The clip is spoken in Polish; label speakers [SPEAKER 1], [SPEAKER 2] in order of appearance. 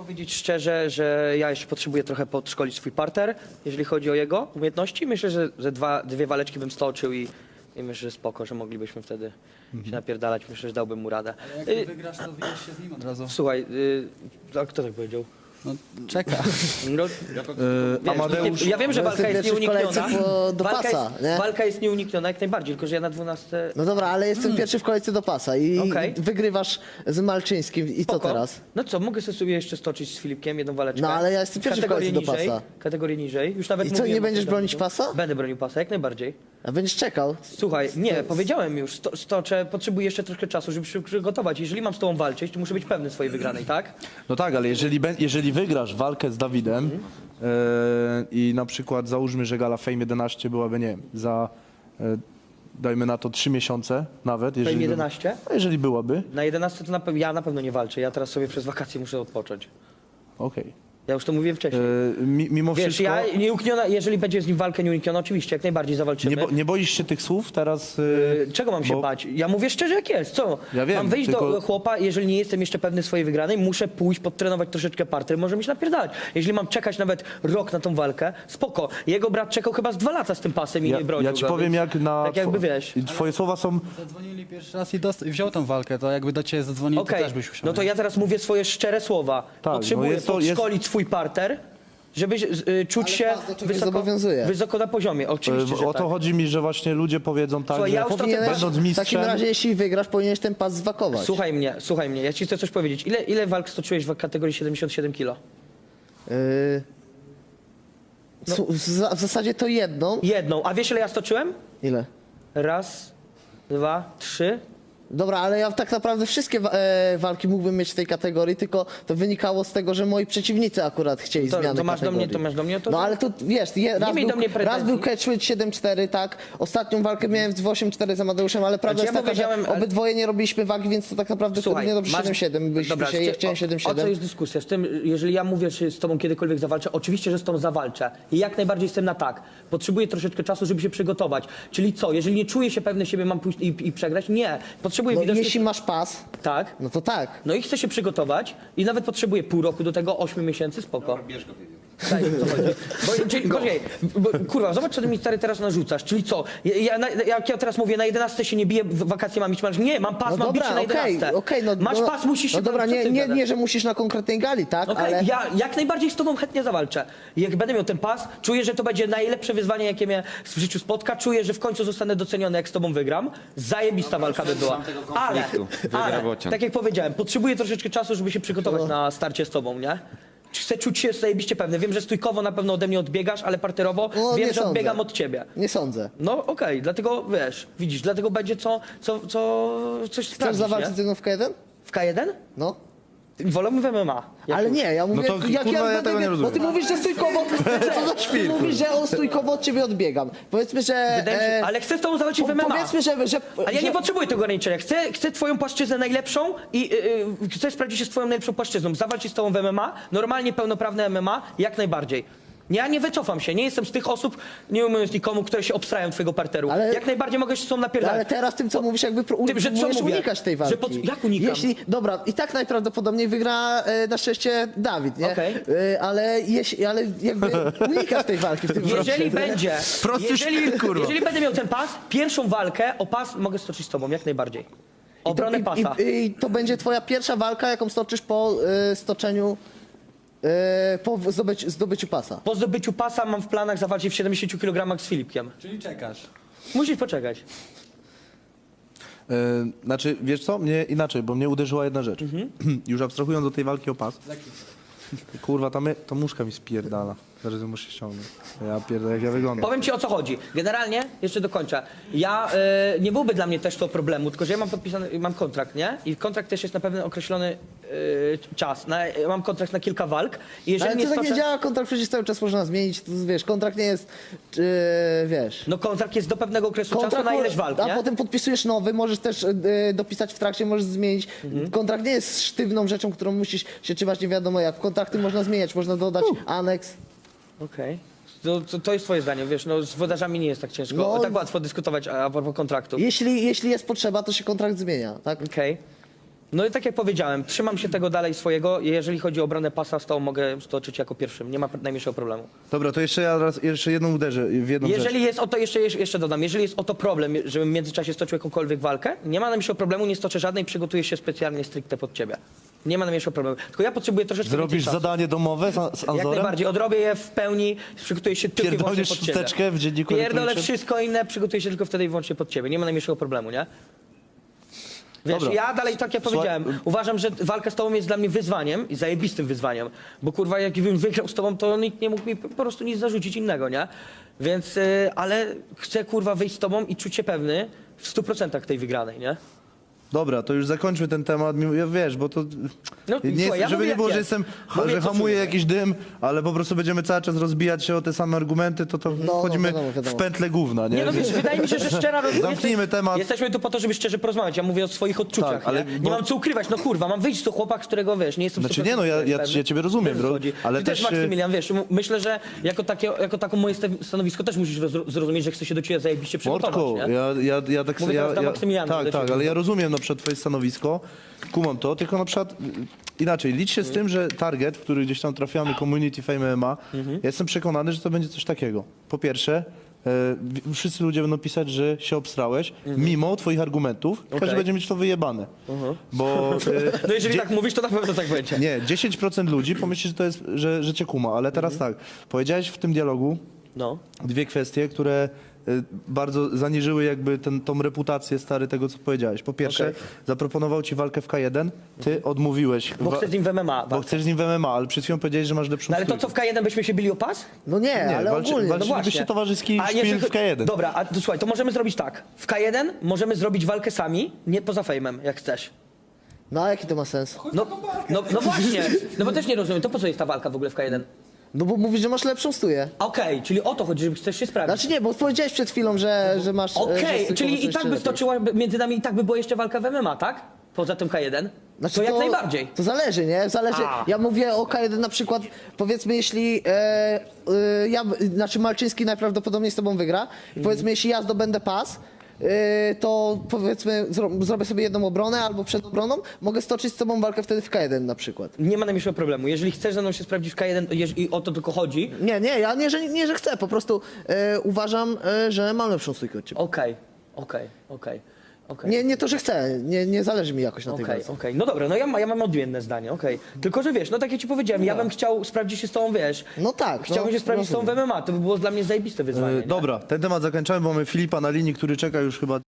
[SPEAKER 1] powiedzieć szczerze, że ja jeszcze potrzebuję trochę podszkolić swój parter, jeżeli chodzi o jego umiejętności. Myślę, że dwie waleczki bym stoczył i myślę, że spoko, że moglibyśmy wtedy się napierdalać. Myślę, że dałbym mu radę.
[SPEAKER 2] Jak ty wygrasz, to wyjdziesz się z nim od razu.
[SPEAKER 1] Słuchaj, a kto tak powiedział?
[SPEAKER 2] No, czeka.
[SPEAKER 1] No,
[SPEAKER 3] Amadeusz,
[SPEAKER 1] ja wiem, że walka jest
[SPEAKER 4] pierwszy w kolejce
[SPEAKER 1] nieunikniona.
[SPEAKER 4] do pasa, nie?
[SPEAKER 1] Walka jest nieunikniona jak najbardziej, tylko że ja na 12...
[SPEAKER 4] No dobra, ale jestem pierwszy w kolejce do pasa i
[SPEAKER 1] Okej.
[SPEAKER 4] wygrywasz z Malczyńskim i co
[SPEAKER 1] Spoko.
[SPEAKER 4] teraz?
[SPEAKER 1] No co, mogę sobie jeszcze stoczyć z Filipkiem jedną waleczkę.
[SPEAKER 4] No, ale ja jestem pierwszy w
[SPEAKER 1] Kategorię
[SPEAKER 4] kolejce do
[SPEAKER 1] niżej,
[SPEAKER 4] pasa.
[SPEAKER 1] Kategorię niżej. Już nawet
[SPEAKER 4] I co,
[SPEAKER 1] mówiłem
[SPEAKER 4] nie
[SPEAKER 1] o
[SPEAKER 4] będziesz
[SPEAKER 1] tym
[SPEAKER 4] bronić
[SPEAKER 1] dawno.
[SPEAKER 4] pasa?
[SPEAKER 1] Będę bronił pasa, jak najbardziej.
[SPEAKER 4] A będziesz czekał?
[SPEAKER 1] Słuchaj, nie, powiedziałem już, stoczę, potrzebuję jeszcze troszkę czasu, żeby się przygotować. Jeżeli mam z tobą walczyć, to muszę być pewny swojej wygranej, tak?
[SPEAKER 3] no tak, ale jeżeli wygrasz walkę z Dawidem i na przykład załóżmy, że gala Fame 11 byłaby, nie wiem, za dajmy na to 3 miesiące nawet.
[SPEAKER 1] Fame 11?
[SPEAKER 3] A jeżeli byłaby,
[SPEAKER 1] Na 11 to ja na pewno nie walczę, ja teraz sobie przez wakacje muszę odpocząć.
[SPEAKER 3] okej.
[SPEAKER 1] Ja już to mówiłem wcześniej.
[SPEAKER 3] Mimo
[SPEAKER 1] Wiesz,
[SPEAKER 3] wszystko,
[SPEAKER 1] ja nieunikniona, jeżeli będzie z nim walka nieunikniona, oczywiście, jak najbardziej zawalczymy.
[SPEAKER 3] nie boisz się tych słów teraz?
[SPEAKER 1] Czego mam się
[SPEAKER 3] bo-
[SPEAKER 1] bać? Ja mówię szczerze jak jest, co?
[SPEAKER 3] Ja wiem,
[SPEAKER 1] mam wyjść
[SPEAKER 3] tylko-
[SPEAKER 1] do chłopa, jeżeli nie jestem jeszcze pewny swojej wygranej, muszę pójść, podtrenować troszeczkę parter, może mi się napierdalać. Jeżeli mam czekać nawet rok na tą walkę, spoko. Jego brat czekał chyba z 2 lata z tym pasem i nie bronił
[SPEAKER 3] Ja ci
[SPEAKER 1] go,
[SPEAKER 3] powiem
[SPEAKER 1] więc
[SPEAKER 3] jak na...
[SPEAKER 1] tak jakby wiesz.
[SPEAKER 3] I twoje słowa są...
[SPEAKER 2] Zadzwonili pierwszy raz i wziął tą walkę, to jakby do ciebie zadzwonili,
[SPEAKER 1] Okej,
[SPEAKER 2] to też byś usiadł.
[SPEAKER 1] no to ja teraz mówię swoje szczere słowa.
[SPEAKER 3] no
[SPEAKER 1] Potrzebuję
[SPEAKER 3] jest to-
[SPEAKER 1] podszkolić swój parter, żeby czuć
[SPEAKER 4] Ale
[SPEAKER 1] się
[SPEAKER 4] pas do czegoś zobowiązuje.
[SPEAKER 1] wysoko na poziomie. Oczywiście, że
[SPEAKER 3] O to
[SPEAKER 1] tak.
[SPEAKER 3] chodzi mi, że właśnie ludzie powiedzą tak,
[SPEAKER 1] Słuchaj,
[SPEAKER 3] że
[SPEAKER 1] ja już to
[SPEAKER 4] Powinieneś,
[SPEAKER 3] będąc
[SPEAKER 4] w
[SPEAKER 3] mistrzem...
[SPEAKER 4] takim razie, jeśli wygrasz, powinieneś ten pas zwakować.
[SPEAKER 1] Słuchaj mnie, ja ci chcę coś powiedzieć. Ile walk stoczyłeś w kategorii 77 kg?
[SPEAKER 4] W zasadzie to jedną.
[SPEAKER 1] Jedną. A wiesz ile ja stoczyłem?
[SPEAKER 4] Ile?
[SPEAKER 1] Raz, dwa, trzy.
[SPEAKER 4] Dobra, ale ja tak naprawdę wszystkie walki mógłbym mieć w tej kategorii, tylko to wynikało z tego, że moi przeciwnicy akurat chcieli zmiany
[SPEAKER 1] To masz do mnie,
[SPEAKER 4] kategorii.
[SPEAKER 1] to masz do mnie. To,
[SPEAKER 4] No ale to wiesz,
[SPEAKER 1] miej do mnie
[SPEAKER 4] raz
[SPEAKER 1] pretensji.
[SPEAKER 4] był catchweight 7-4, tak? Ostatnią walkę miałem w 8-4 z Amadeuszem, ale prawda
[SPEAKER 1] Znaczy,
[SPEAKER 4] jest
[SPEAKER 1] ja
[SPEAKER 4] taka,
[SPEAKER 1] powiedziałem,
[SPEAKER 4] że
[SPEAKER 1] ale-
[SPEAKER 4] obydwoje nie robiliśmy wagi, więc to tak naprawdę nie dobrze 7-7 byliśmy
[SPEAKER 1] Dobra,
[SPEAKER 4] się, ja chciałem
[SPEAKER 1] o co
[SPEAKER 4] 7-7.
[SPEAKER 1] jest dyskusja? Z tym, jeżeli ja mówię, czy z tobą kiedykolwiek zawalczę, oczywiście, że z tobą zawalczę. I jak najbardziej jestem na tak. Potrzebuję troszeczkę czasu, żeby się przygotować. Czyli co? Jeżeli nie czuję się pewny siebie, mam pójść i przegrać? Nie. Potrzebuję
[SPEAKER 4] No,
[SPEAKER 1] widocznie...
[SPEAKER 4] jeśli masz pas,
[SPEAKER 1] Tak.
[SPEAKER 4] no to tak.
[SPEAKER 1] No i chcę się przygotować i nawet potrzebuję pół roku do tego, 8 miesięcy, spoko. Bierz go, tak, o co chodzi. Poczekaj, kurwa, zobacz, co ty mi stary teraz narzucasz. Czyli co? Jak ja teraz mówię, na 11 się nie biję, w wakacje mam iść, nie, mam pas,
[SPEAKER 4] No
[SPEAKER 1] mam bić się
[SPEAKER 4] dobra,
[SPEAKER 1] na 11.
[SPEAKER 4] okej, no,
[SPEAKER 1] Masz pas, musisz się...
[SPEAKER 4] No dobra,
[SPEAKER 1] co ty gadasz?
[SPEAKER 4] nie, że musisz na konkretnej gali, tak?
[SPEAKER 1] Okej,
[SPEAKER 4] Ale
[SPEAKER 1] ja jak najbardziej z tobą chętnie zawalczę. Jak będę miał ten pas, czuję, że to będzie najlepsze wyzwanie, jakie mnie w życiu spotka. Czuję, że w końcu zostanę doceniony, jak z tobą wygram. Zajebista walka by była. Ale, tak jak powiedziałem, potrzebuję troszeczkę czasu, żeby się przygotować na starcie z tobą, nie? Chcę czuć się zajebiście pewny. Wiem, że stójkowo na pewno ode mnie odbiegasz, ale parterowo
[SPEAKER 4] No,
[SPEAKER 1] wiem,
[SPEAKER 4] nie
[SPEAKER 1] że odbiegam
[SPEAKER 4] sądzę.
[SPEAKER 1] od ciebie.
[SPEAKER 4] nie sądzę.
[SPEAKER 1] No okej, dlatego wiesz, widzisz, dlatego będzie coś
[SPEAKER 4] Chcesz
[SPEAKER 1] sprawdzić,
[SPEAKER 4] zawalczyć
[SPEAKER 1] nie?
[SPEAKER 4] ze mną w K1?
[SPEAKER 1] W K1?
[SPEAKER 4] No.
[SPEAKER 1] Wolałbym w MMA.
[SPEAKER 4] Ale nie, ja mówię,
[SPEAKER 3] to,
[SPEAKER 4] jak
[SPEAKER 3] kurwa, ja
[SPEAKER 4] będę
[SPEAKER 3] tego nie
[SPEAKER 4] bo
[SPEAKER 3] rozumiem.
[SPEAKER 4] ty mówisz, że stójkowo, co za ty mówisz, że on stójkowo od ciebie odbiegam. Powiedzmy, że...
[SPEAKER 1] Wydaje mi się, ale chcę z tobą zawalczyć w MMA.
[SPEAKER 4] Powiedzmy, że
[SPEAKER 1] Ale ja
[SPEAKER 4] że-
[SPEAKER 1] nie potrzebuję tego ograniczenia. Chcę twoją płaszczyznę najlepszą i chcę sprawdzić się z twoją najlepszą płaszczyzną. Zawalczyć z tobą w MMA, normalnie pełnoprawne MMA, jak najbardziej. Ja nie wycofam się, nie jestem z tych osób, nie mówiąc nikomu, które się obstrają twojego parteru.
[SPEAKER 4] Ale-
[SPEAKER 1] Jak najbardziej mogę się z tobą napierdalać.
[SPEAKER 4] Ale teraz tym, co mówisz, jakby
[SPEAKER 1] Tym, że co
[SPEAKER 4] próbujesz
[SPEAKER 1] mówię?
[SPEAKER 4] unikać tej
[SPEAKER 1] Że
[SPEAKER 4] walki.
[SPEAKER 1] jak unikam?
[SPEAKER 4] Dobra, i tak najprawdopodobniej wygra na szczęście Dawid, nie?
[SPEAKER 1] Okej.
[SPEAKER 4] Ale jakby unikasz tej walki w tym
[SPEAKER 1] Jeżeli będzie,
[SPEAKER 3] Prosty szpil, kurwa.
[SPEAKER 1] jeżeli będę miał ten pas, pierwszą walkę o pas mogę stoczyć z tobą, jak najbardziej. Obronę pasa.
[SPEAKER 4] I to będzie twoja pierwsza walka, jaką stoczysz po stoczeniu, po zdobyciu pasa.
[SPEAKER 1] Po zdobyciu pasa mam w planach zawalczyć w 70 kg z Filipkiem.
[SPEAKER 2] Czyli czekasz.
[SPEAKER 1] Musisz poczekać.
[SPEAKER 3] Znaczy, wiesz co? Mnie inaczej, bo mnie uderzyła jedna rzecz. Już abstrahując do tej walki o pas. Kurwa, ta muszka mi spierdala. Zaraz ją muszę ściągnąć. Ja pierdolę, jak ja wyglądam.
[SPEAKER 1] Powiem ci o co chodzi. Generalnie, jeszcze dokończę. Ja, nie byłby dla mnie też to problemu, tylko że ja mam podpisany, mam kontrakt, nie? I kontrakt też jest na pewien określony czas. Mam kontrakt na kilka walk. I jeżeli
[SPEAKER 4] Ale
[SPEAKER 1] nie
[SPEAKER 4] to tak nie
[SPEAKER 1] stoczę...
[SPEAKER 4] działa, kontrakt przecież cały czas można zmienić, to, wiesz, kontrakt nie jest, wiesz...
[SPEAKER 1] No kontrakt jest do pewnego okresu czasu na ileś walk,
[SPEAKER 4] a
[SPEAKER 1] nie?
[SPEAKER 4] potem podpisujesz nowy, możesz też dopisać w trakcie, możesz zmienić. Kontrakt nie jest sztywną rzeczą, którą musisz się trzymać nie wiadomo jak. Kontrakty można zmieniać, można dodać aneks.
[SPEAKER 1] Okej. To jest twoje zdanie, wiesz, no z wodarzami nie jest tak ciężko,
[SPEAKER 4] No,
[SPEAKER 1] tak łatwo dyskutować a propos kontraktu.
[SPEAKER 4] Jeśli jest potrzeba, to się kontrakt zmienia, tak?
[SPEAKER 1] Okej. No i tak jak powiedziałem, trzymam się tego dalej swojego. Jeżeli chodzi o obronę pasa, z tą mogę stoczyć jako pierwszym. Nie ma najmniejszego problemu.
[SPEAKER 3] Dobra, to jeszcze ja jeszcze jedną uderzę w jedną rzecz.
[SPEAKER 1] Jeżeli jest o to, jeszcze dodam, jeżeli jest o to problem, żebym w międzyczasie stoczył jakąkolwiek walkę, nie ma najmniejszego problemu, nie stoczę żadnej, przygotuję się specjalnie stricte pod ciebie. Nie ma najmniejszego problemu. Tylko ja potrzebuję troszeczkę
[SPEAKER 3] Zrobisz
[SPEAKER 1] więcej czasu.
[SPEAKER 3] zadanie domowe z
[SPEAKER 1] Jak
[SPEAKER 3] Anzorem?
[SPEAKER 1] najbardziej, odrobię je w pełni, przygotuję się tylko i wyłącznie
[SPEAKER 3] Pierdolisz
[SPEAKER 1] pod ciebie.
[SPEAKER 3] chusteczkę w dzienniku
[SPEAKER 1] Pierdolę
[SPEAKER 3] elektronicznym?
[SPEAKER 1] wszystko inne, przygotuję się tylko wtedy i wyłącznie pod ciebie. Nie ma najmniejszego problemu, nie? Wiesz,
[SPEAKER 3] Dobra.
[SPEAKER 1] ja dalej, tak jak
[SPEAKER 3] Słuchaj-
[SPEAKER 1] powiedziałem, uważam, że walka z tobą jest dla mnie wyzwaniem i zajebistym wyzwaniem, bo kurwa, jakbym wygrał z tobą, to nikt nie mógł mi po prostu nic zarzucić innego, nie? Więc, ale chcę kurwa wyjść z tobą i czuć się pewny w 100% tej wygranej, nie?
[SPEAKER 3] Dobra, to już zakończmy ten temat, wiesz, bo to...
[SPEAKER 1] No,
[SPEAKER 3] nie
[SPEAKER 1] słuchaj, ja
[SPEAKER 3] żeby
[SPEAKER 1] mówię,
[SPEAKER 3] nie było,
[SPEAKER 1] jak
[SPEAKER 3] że
[SPEAKER 1] jest.
[SPEAKER 3] jestem,
[SPEAKER 1] Mówię,
[SPEAKER 3] że
[SPEAKER 1] co
[SPEAKER 3] hamuję
[SPEAKER 1] czuję.
[SPEAKER 3] jakiś dym, ale po prostu będziemy cały czas rozbijać się o te same argumenty, to wchodzimy
[SPEAKER 4] wiadomo.
[SPEAKER 3] w pętlę gówna, nie?
[SPEAKER 1] Nie no wiesz, wydaje mi się, że szczera rozmowa.
[SPEAKER 3] Zamknijmy temat.
[SPEAKER 1] Jesteśmy tu po to, żeby szczerze porozmawiać. Ja mówię o swoich odczuciach.
[SPEAKER 3] Tak, ale
[SPEAKER 1] nie
[SPEAKER 3] bo-
[SPEAKER 1] mam co ukrywać. No kurwa, mam wyjść do chłopak, z którego wiesz, nie jestem
[SPEAKER 3] Znaczy nie, no ja ciebie rozumiem,
[SPEAKER 1] Wiesz, o co chodzi.
[SPEAKER 3] ale
[SPEAKER 1] Ty
[SPEAKER 3] też...
[SPEAKER 1] Maksymilian, wiesz, myślę, że jako taką moje stanowisko też musisz zrozumieć, że chcę się do ciebie zajebiście przygotować,
[SPEAKER 3] Mordku,
[SPEAKER 1] nie?
[SPEAKER 3] ja tak
[SPEAKER 1] Mówię teraz do Maksymiliana, do
[SPEAKER 3] tak,
[SPEAKER 1] ciebie.
[SPEAKER 3] ale ja rozumiem na przykład twoje stanowisko, kumam to, tylko na przykład inaczej, licz się z tym, że target, w który gdzieś tam trafiamy, Community Fame MMA, ja jestem przekonany, że to będzie coś takiego. Po pierwsze, wszyscy ludzie będą pisać, że się obstrałeś, mimo twoich argumentów, każdy będzie mieć to wyjebane. Bo
[SPEAKER 1] No jeżeli tak mówisz, to na pewno tak będzie.
[SPEAKER 3] nie, 10% ludzi pomyśli, że to jest, że cię kuma, ale teraz tak, powiedziałeś w tym dialogu
[SPEAKER 1] No.
[SPEAKER 3] dwie kwestie, które bardzo zaniżyły jakby tą reputację stary tego, co powiedziałeś. Po pierwsze,
[SPEAKER 1] Okej.
[SPEAKER 3] zaproponował ci walkę w K1, ty odmówiłeś.
[SPEAKER 1] Bo chcę z nim w MMA.
[SPEAKER 3] Bo chcesz z nim w MMA, ale przed chwilą powiedziałeś, że masz lepszą
[SPEAKER 1] No ale to
[SPEAKER 3] stójkę.
[SPEAKER 1] co, w K1 byśmy się bili o pas?
[SPEAKER 4] No nie, ale ogólnie.
[SPEAKER 1] No
[SPEAKER 3] walczylibyście
[SPEAKER 1] właśnie.
[SPEAKER 3] towarzyski
[SPEAKER 1] A
[SPEAKER 3] szpil
[SPEAKER 1] jeżeli-
[SPEAKER 3] w K1.
[SPEAKER 1] Dobra, a to słuchaj, to możemy zrobić tak. W K1 możemy zrobić walkę sami, nie poza fejmem, jak chcesz.
[SPEAKER 4] No a jaki to ma sens?
[SPEAKER 1] No właśnie, no bo też nie rozumiem, to po co jest ta walka w ogóle w K1?
[SPEAKER 4] No bo mówisz, że masz lepszą stuję.
[SPEAKER 1] Okej, czyli o to chodzi, że chcesz się sprawdzić.
[SPEAKER 4] Znaczy nie, bo powiedziałeś przed chwilą, że masz...
[SPEAKER 1] Okej,
[SPEAKER 4] że
[SPEAKER 1] czyli i
[SPEAKER 4] stykowo
[SPEAKER 1] tak by
[SPEAKER 4] lepiej.
[SPEAKER 1] stoczyła, między nami i tak by była jeszcze walka w MMA, tak? Poza tym K1?
[SPEAKER 4] Znaczy
[SPEAKER 1] to jak najbardziej.
[SPEAKER 4] To zależy, nie? Zależy.
[SPEAKER 1] A.
[SPEAKER 4] Ja mówię o K1 na przykład, powiedzmy jeśli znaczy Malczyński najprawdopodobniej z tobą wygra. I powiedzmy jeśli ja zdobędę pas, to powiedzmy zrobię sobie jedną obronę albo przed obroną, mogę stoczyć z tobą walkę wtedy w K1 na przykład.
[SPEAKER 1] Nie ma najmniejszego problemu. Jeżeli chcesz ze mną się sprawdzić w K1 i o to tylko chodzi,
[SPEAKER 4] Nie, ja nie, że chcę, po prostu uważam, że mam lepszą stójkę od ciebie.
[SPEAKER 1] okej.
[SPEAKER 4] Nie to, że chcę, nie zależy mi jakoś na tej
[SPEAKER 1] Okej,
[SPEAKER 4] walce.
[SPEAKER 1] okej. No dobra, no ja mam odmienne zdanie, okej. Tylko, że wiesz, no tak jak ci powiedziałem, ja bym chciał sprawdzić się z tobą, wiesz.
[SPEAKER 4] No tak.
[SPEAKER 1] Chciałbym się sprawdzić z tobą w MMA, to by było dla mnie zajebiste wyzwanie. nie?
[SPEAKER 3] Dobra, ten temat zakończamy, bo mamy Filipa na linii, który czeka już chyba